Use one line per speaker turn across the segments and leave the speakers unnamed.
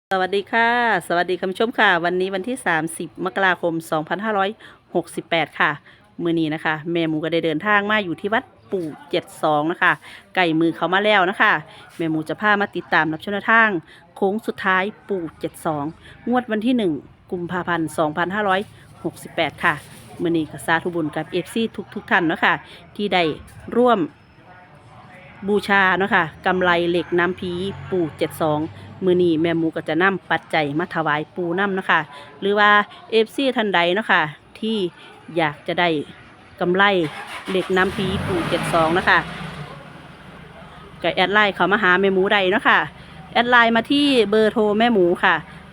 สวัสดีค่ะสวัสดีคุณผู้ชมค่ะวันนี้วันที่30มกราคม2568ค่ะมื้อนี้นะคะแม่หมูก็ได้เดินทางมาอยู่ที่วัดปู่72นะคะไก่มือเขามาแล้วนะคะแม่หมูจะพามาติดตามรับชมแนวทางโค้งสุดท้ายปู่72งวดวันที่1กุมภาพันธ์2568ค่ะมื้อนี้ก็สาธุบุญกับ FC ทุกท่านเนาะค่ะที่ได้ร่วมบูชาเนาะค่ะกำไรเหล็กน้ำพีปู่72มื้อนี้แม่หมูก็จะนำปัจจัยมาถวายปู่นำเนาะค่ะหรือว่าFCท่านใดเนาะค่ะที่อยากจะได้กำไรเหล็กน้ำพีปู่72นะคะก็แอดไลน์เขามาหาแม่หมูใดเนาะค่ะแอดไลน์มาที่เบอร์โทรแม่หมูค่ะ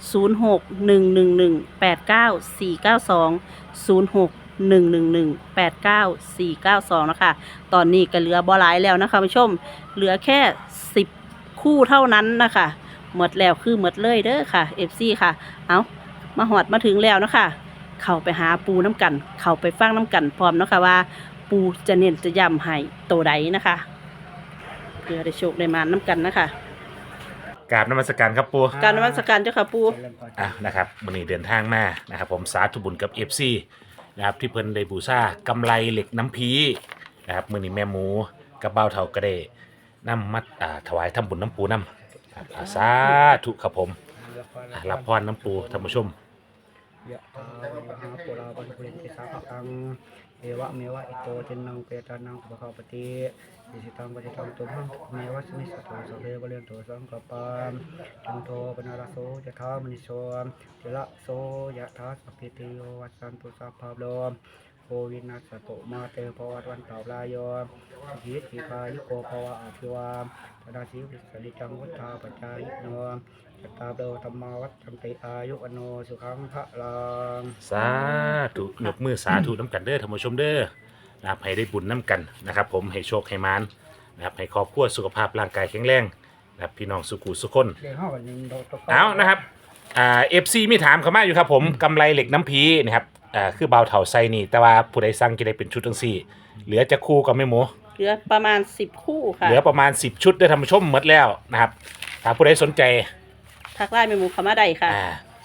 0611189492 นะคะตอนนี้ก็เหลือบ่หลายแล้วนะคะผู้ชมเหลือแค่10คู่เท่านั้นนะคะหมดแล้วคือหมดเลยเด้อค่ะ FC ค่ะเอามาหอดมาถึงแล้วนะคะเข้าไปหาปูน้ำกันเข้าไปฟังน้ำกันพร้อมเนาะค่ะว่าปูจะเน้นจะย้ำให้โตใดนะคะเพื่อได้โชคได้มาน้ำกันนะคะ
กราบนมัสการครับปู
การนมัสการเจ้าค่ะปู
นะครับวันนี้เดินทางมานะครับผมสาธุบุญกับ FC นะครับที่เพิ่นได้บูชากำไรเหล็กน้ำพีนะครับมื้อนี้แม่หมูกับเบ้าเฒ่าก็ได้นำมาถวายทำบุญน้ำปูน้ำครับสาธุครับผมรับพรน้ำปูท่านผู้ชม
ยะถาวะหาปุราปันปุเรนติสาภคังเอวะเมวะอิโตเจนังเปตานังอุปคาปติอิสิตังปฏิตังตุมหังเมวะสมิสตุสัพเพวะเรนโตสังกปามจันโทปนาราโสยะถามณิโสเจละโสยะถาสัพพิติโยวัสสันตุสัพพะโลโควินัสตุมาเตภวัตวันตาลายโยหิทธิพายุโกภวะอาภิวาธนาสิวิสริจังวุฒาปัจจายโนจัตตาโดธรรมาวัฏจันติอายุอโนสุขังพระลัง
สาธุยกมือสาธุน้ำกันเด้อท่านผู้ชมเด้อนะครับให้ได้บุญน้ำกันนะครับผมให้โชคให้มานนะครับให้ครอบครัวสุขภาพร่างกายแข็งแรงนะครับพี่น้องสุขุสุขคนเอานะครับFC มีถามเข้ามาอยู่ครับผมกำไรเหล็กน้ำพีนะครับคือเบาเถาไซนี่แต่ว่าผู้ใดสั่งจะได้เป็นชุดทั้งสี่เหลือจะคู่กับแม่หมู
เหลือประมาณ10คู่ค่ะ
เหลือประมาณ10ชุดได้ทำชมหมดแล้วนะครับถ้าผู้ใดสนใจ
ทักไลน์แม่หมูเข้ามาได้ค่ะ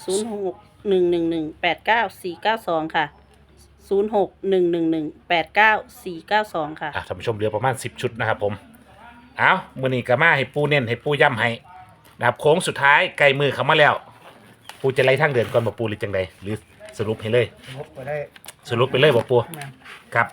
0611189492ค่ะ0611189492ค่ะ
ท่านผู้ชมเหลือประมาณ10ชุดนะครับผมเอามื้อนี้ก็มาให้ปูเน้นให้ปูย้ำให้นะครับโค้งสุดท้ายใกล้มือเข้ามาแล้วปูจะไล่ทางเดินก่อนบ่ปูหรือจังใดหรือสรุปให้เลยสรุปไปเลยบ่ปูครับ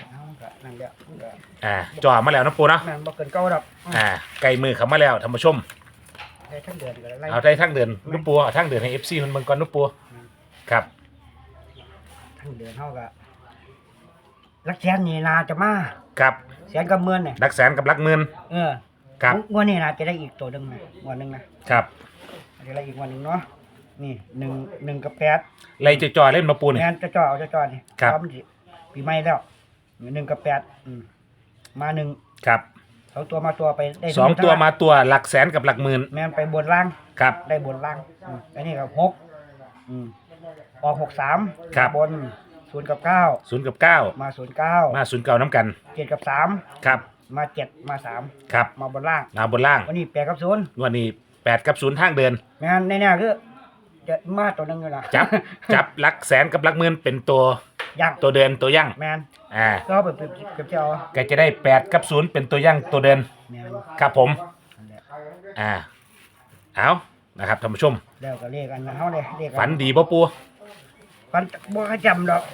จ่อมาแล้วนะปูเนาะ
บ่เกินเก้าดอก
ใกล้มือเข้ามาแล้วท่านผู้ชม
ได้ทั้งเดือนก็ไล่
เอาได้ทั้งเดือนนุปูเอาทั้งเดือนให้ FC มันเบิ่งก่อนนุปูครับ
ทั้งเดือนเฮาก็ลักแสนนี่น่าจะมา
ครับ
แสนกับหมื่นเนี่ย
หลักแสนกับหลักหมื่นครับ
งวดนี้น่าจะได้อีกตัวนึงนะงวดนึงนะครับจะได้อีกงวดนึงเนาะนี่1กับ8
ไล่จ่อๆเล่นมาปูนี่
แม่นจะจ่อเอาจะจ่อนี่
ครับ
ปีใหม่แล้ว1กับ8มา1
ครับ
2ตัวมาตัวไปได้
2ตัวมาตัวหลักแสนกับหลักหมื่น
แม่นไปบนล่าง
ครับ
ได้บนล่างอันนี้ก็6ออก63
ครับ
บน0กับ9
0กับ9
มา09
มา09น้ำกัน
7กับ3
ครับ
มา7มา3
ครับ
มาบนล่าง
มาบนล่าง
วันนี้8กับ0
วันนี้8กับ0ทางเดิน
แม่นแน่ๆคือจะมาตัวนึงอยู่ล่ะ
จับหลักแสนกับหลักหมื่นเป็นตัว
ย่าง
ตัวเดินตัวยั่ง
แม่นก็เก็บเจ้า
ก็จะได้8กับ0เป็นตัวยั่งตัวเดิน
แม่น
ครับผมเอานะครับท่านผู้ชม
แล้วก็เลขกันเฮาเลยเลข
ฝันดีบ่ปู
ฝันบ่ค่อยจำดอก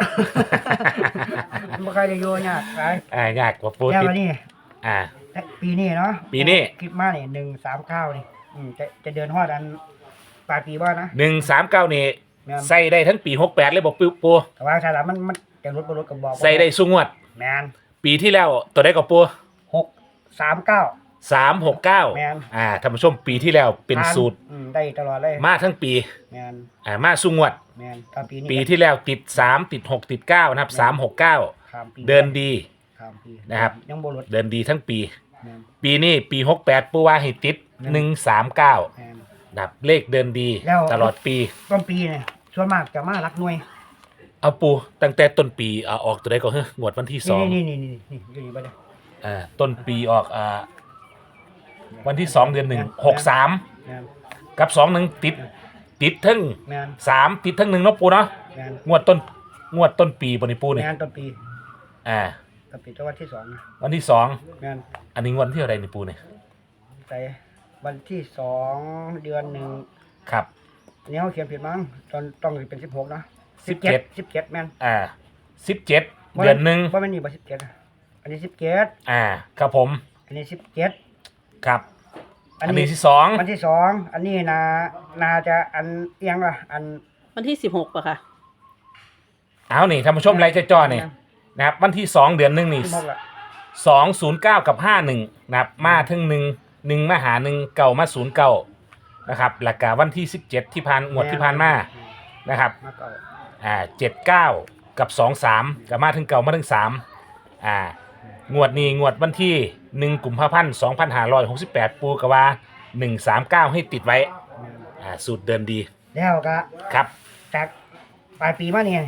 บ่ค่อยได้อยู่ยากหลาย
ยากกว่าปู
แล้วนี่ปีนี้เนาะ
ปีนี้
คิดมานี่139นี่จะเดินฮอดอันปลายปีบ่นะ
139นี่ใส่ได้ทั้งปี68เลยบ่ปู
แต่ว่าถ้ามันจะลดบ่ลดก็บอก
ใส่ได้ซุงวด
แม่น
ปีที่แล้วตัวใดก็ปู
639
369
แม่น
ท่านผู้ชมปีที่แล้วเป็นสูตร
ได้ตลอดเลย
มาทั้งปี
แม่น
มาซุงวด
แม่นตอน
ปีที่แล้วติด3ติด6ติด9นะครับ369เดินดีนะครับ
ยังบ่ลด
เดินดีทั้งปีปีนี้ปี68ปูว่าให้ติด139นะครับเลขเดินดีตลอดปี
ต้นปีเนี่ยส่วนมากจะมารักหน่วย
เอาปูตั้งแต่ต้นปีออกตัวใดก็เฮ้งวดวันที่2
นี่อยู่นี่บ่ได้
ต้นปีออกวันที่2 เดือน 1 63 กับ21ติดทั้ง
แมน
3ติดทั้ง1เนาะปูเนาะ
แมน
งวดต้นปีบ่นี่ปู
แม
นี่
นต้นปี
อ่า
ต้นปีตัววันที่2นะ
วันที่2
แมน
อันนี้วันที่อะไรนี่ปูนี่
ไปวันที่2 เดือน 1
ครับ
อันนี้เขาเขียนผิดมั้งต้องเป็น16นะ 17แมน
17 เดือนหนึ่ง
ว่ามันนี่บ่17นะอันนี้17
ครับผม
อันนี้17
ครับ อันนี้ที่
วันที่2อันนี้นาจะอันเอียงล่ะอัน
วันที่16ป่ะค่ะ
เอานี่ท่านผู้ชมไลค์จ่อๆนี่นะครับวันที่2 เดือนหนึ่งนี่
16ละ
209กับ51นะครับมาถึง1มาหา1เก่ามา09นะครับหลักกาวันที่17ที่ผ่านงวดที่ผ่านมานะครับ
มาเก่า
79กับ23กับมาถึงเก่ามาถึง3งวดนี้งวดวันที่1กุมภาพันธ์2568ปูกว่า139ให้ติดไว้สูตรเดินดี
แล้วก็
ครับ
จากปลายปีมาเนี่ย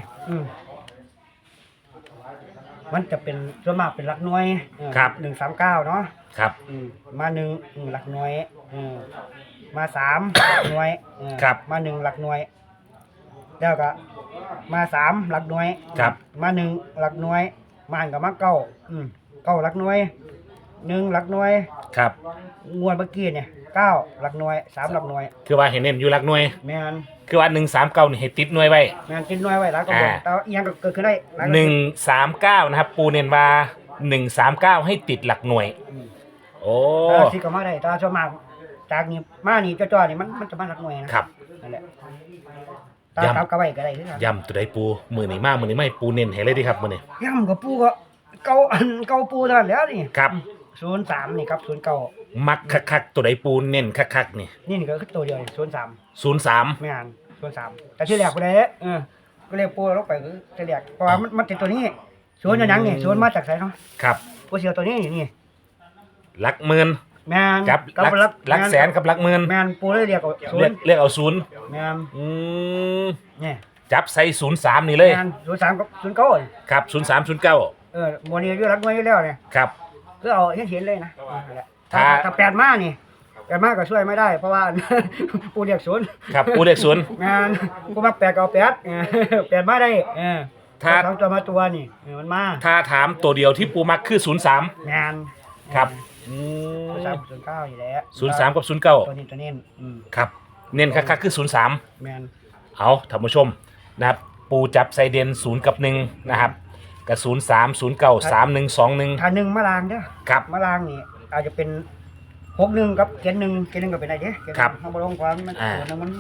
มันจะเป็นส่วนมากเป็นหลักหน่วย139เนาะ
ครับ
มา1หลักหน่วยมา3หลักหน่วยมา1หลักหน่วยแล้วก็มา3หลักหน่วย
ครับ
มา1หลักหน่วยมาหันกับมา99หลักหน่วย1หลักหน่วย
ครับ
งวดเมื่อกี้เนี่ย9หลักหน่วย3หลักหน่วย
คือว่าเห็นเน้นอยู่หลักหน่วย
แม่น
คือว่า139นี่ให้ติดหน่วยไว้
แม่นกินหน่วยไว้แล้วก็บ่แต่อีหยังก็เกิดขึ้นได้
139นะครับปูเน้นว่า139ให้ติดหลักหน่วยโอ้
สิก็มาได้แต่ส่วนมากจากนี้มานี่จ่อๆนี่มันจะมาหลักหน่วยนะครับ นั่นแหละตา
ย้ำ
กับกระไว้ก็ได้คือกัน
ย่ำตัวใดปูมือนี่มากมือนี่ไม่ปูเน้นให้เลยดีครับมือนี่
ย่ำกับปูก็เก่าเก่าปูเท่านั้นแหล้วนี่
ครับ
03นี่ครับ09
มักคักๆตัวใดปูเน้นคักๆนี่
นี่ก็คือตัวเดียวนี่03
03
ไม่อ่าน03แต่ที่แรกบ่ได้ก็เรียกปูลงไปคือที่แรกเพราะว่ามันติดตัวนี้ศูนย์อยู่หยังนี่ศูนย์มาจากไสเนาะ
ครับ
ปูเสียวตัวนี้นี่
หลักหมื่น
แม่น
กับหลักแสนกับหลักหมื่น
แม่นปูเลยเรียกเอาศู
เรี
น
ยก
ย์
เรียกเอาศูนย์
แม่น นี่
จับใส่03นี่เลย
แม่น03กับ09นี่
ครับ03 09
โมนี่อยู่รักน้อยอยู่แล้วเนี่ย
ครับ
คือเอาเห็นเลยนะนั่นแหละ
ถ้า
ถ้า8มานี่8มาก็ช่วยไม่ได้เพราะว่า ปูเรียกศูนย์
ครับปูเรียกศูนย์
งานกูมา8ก็เอา8 8มาได้
ถ้า
สองตัวมาตัวนี่มันมา
ถ้าถามตัวเดียวที่ปูมักคือ03
งาน
ครับ
03 อยู่แล้ว
03 กับ
ตัวนี้
09ครับเน้นคักๆคือ03
แมน
เอาท่านผู้ชมนะครับปูจับไซเดน0กับ1นะครับกับ03 09 31 21
ถ้า1มาลางเด้อ
ครับ
มาลางนี่อาจจะเป็น61กับเกณฑ์1ก็เป็นได้เด้เกณฑ์
ครับ
เฮาบ่ลงความมัน
อ่า
ตัวนึงมัน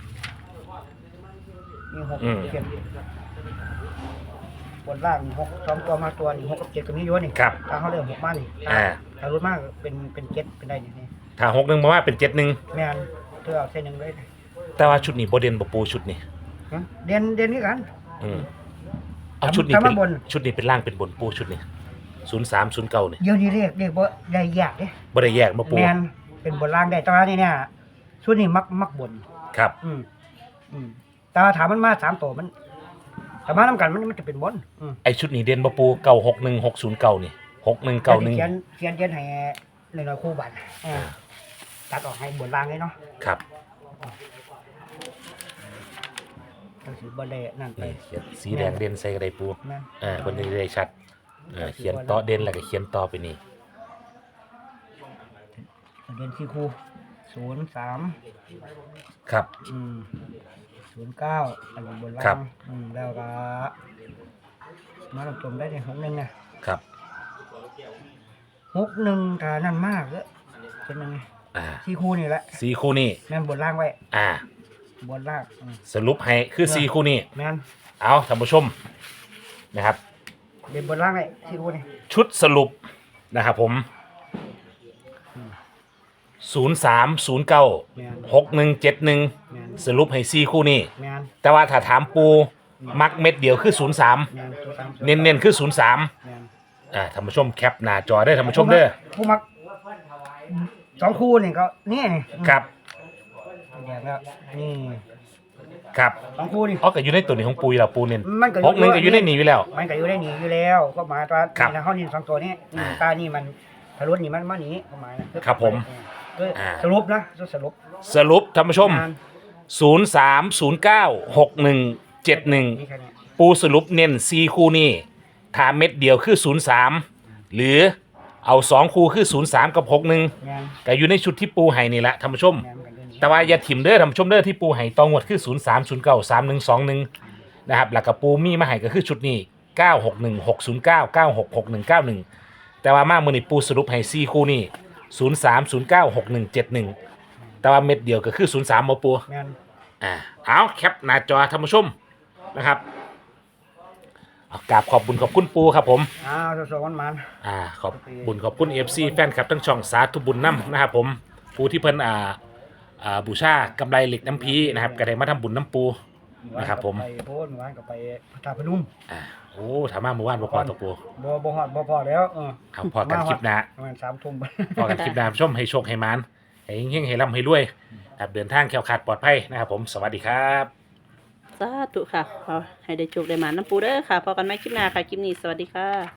มี6เกณฑ์บนล่างนี่6 2ตัวมาตัวนี่6กับ7ก็มีอยู่นี่
ครับ
ถ้าเฮาเริ่ม6มานี่ ถ้ารถมากเป็น7เป็นได้นี่
ถ้า61มาว่าเป็น71
แม่นเธอเอาเส้นหนึ่งเลย
แต่ว่าชุดนี้บ่เด่นบ่ปูชุดนี้
เด่นคือกัน
เอาชุดนี้
ทำ
เป็
มาน บน
ชุดนี้เป็นล่างเป็นบนปูชุดนี้03 09นี่
เดี๋ยวนี้เรียกบ่ได้ยากเด้
บ่ได้แยกมาปู
แม่นเป็นบนล่างได้แตอนนี้เนี่ยชุดนี้มักบน
ครับ
แต่ว่าถามมันมา3ตัวมันถ้ามานำกันมันจะเป็นบน
ไอชุดนี้เด่นบ่ปู961 609นี่6191
เขียนให้หน่อยๆคู่บัตรตัดออกให้บนล่างเลยเนาะ
ครับ
ต้องสิบ่ได้นั่นไป
นี่เขียนสีแดงเด่นใส่กระไดปู
แม่น
เพิ่นได้ชัดเขียนต่อเด่นแล้วก็เขียนต่อไปนี่
เรียนที่ครู03
ครับ
09อันนี้บน
ครั
ล่า
บ
งแล้วก็มาลงตมได้ใน61นะครับ 61ถ้านั่นมากเด้อเป็นยังไง ที่ครูนี่แหละ
สีคู่นี้
แม่นบนล่างไว้
อ่า
บนล่าง
สรุปให้คือสีคู่นี้
แม่น
เอาท่านผู้ชมนะครับ
เด่นบนล่างไว้ที่ครูนี่
ชุดสรุปนะครับผม03 09
แม่น
6171
แม่น
สรุปให้สีคู่นี้
แม่น
แต่ว่าถ้าถามปูมักเม็ดเดียวคือ 03
แม่นตัวสาม
เน้นๆคือ 03
แม่น
ท่านผู้ชมแคปหน้าจอได้อท่านผู้ชมเด้อ
ผู้มัก2คู่นี่ก็นี่
ครับ
แดงแล้วนี่
ครับ
2คู่นี่
อ๋อก็อยู่ในตัวนี้ของปูอยู่แล้วปูเน้น
มันก็
61ก็อยู่ในนี้อยู่แล้ว
มันก็อยู่ได้หนีอยู่แล้วก็หมายว่า
ครับ
นี่นะเฮานี่2ตัวนี้ตานี่มันทะลุนี่มันมาหนีก็หมายนะครับ
ผม
แด้วย
อ่า
สรุปนะสรุป
สรุปท่านผู้ชม
งาน
03096171
นี่แค่นี้
ปูสรุปเน้น4คู่นี้ถ้าเม็ดเดียวคือ03หรือเอา2คู่คือ03กับ61
งาน
ก็อยู่ในชุดที่ปูให้นี่แหละท่านผู้ชม
งานกันด้วยนี่
แต่ว่าอย่าถิ่มเด้อท่านผู้ชมเด้อที่ปูให้ตองวดคือ03093121นะครับแล้วก็ปูมีมาให้ก็คือชุดนี้961609 966191แต่ว่ามามื้อนี้ปูสรุปให้4คู่นี้03096171แต่ว่าเม็ดเดียวก็คือ03บ่ปู
งาน
เอาแคปหน้าจอท่านผู้ชมนะครับเอากราบขอบบุญขอบคุณปูครับผม
สองวันมัน
ขอบบุญขอบคุณ FC แฟนคลับทั้งช่องสาธุบุญน้ำนะครับผมปูที่เพิ่นบูชากำไรเหล็กน้ำพีนะครับก็ได้มาทำบุญน้ำปูนะครับผม
ไปโพนวานก็ไปพระธาตุพนม
โอ้ถามมาเมื่อวานบ่พอตัวปู
บ่ฮอดบ่พอแล้ว
เอาพอกันคลิปหน้า
ประมาณ3 ทุ่ม
พอกันคลิปหน้าผู้ชมให้โชคให้มานให้เฮงๆให้ร่ำให้รวยครับเดินทางแคล้วคลาดปลอดภัยนะครับผมสวัสดีครับ
สาธุค่ะขอให้ได้โชคได้หมาน้ำปูเด้อค่ะพอกันไหมคลิปหน้าค่ะ คลิปนี้สวัสดีค่ะ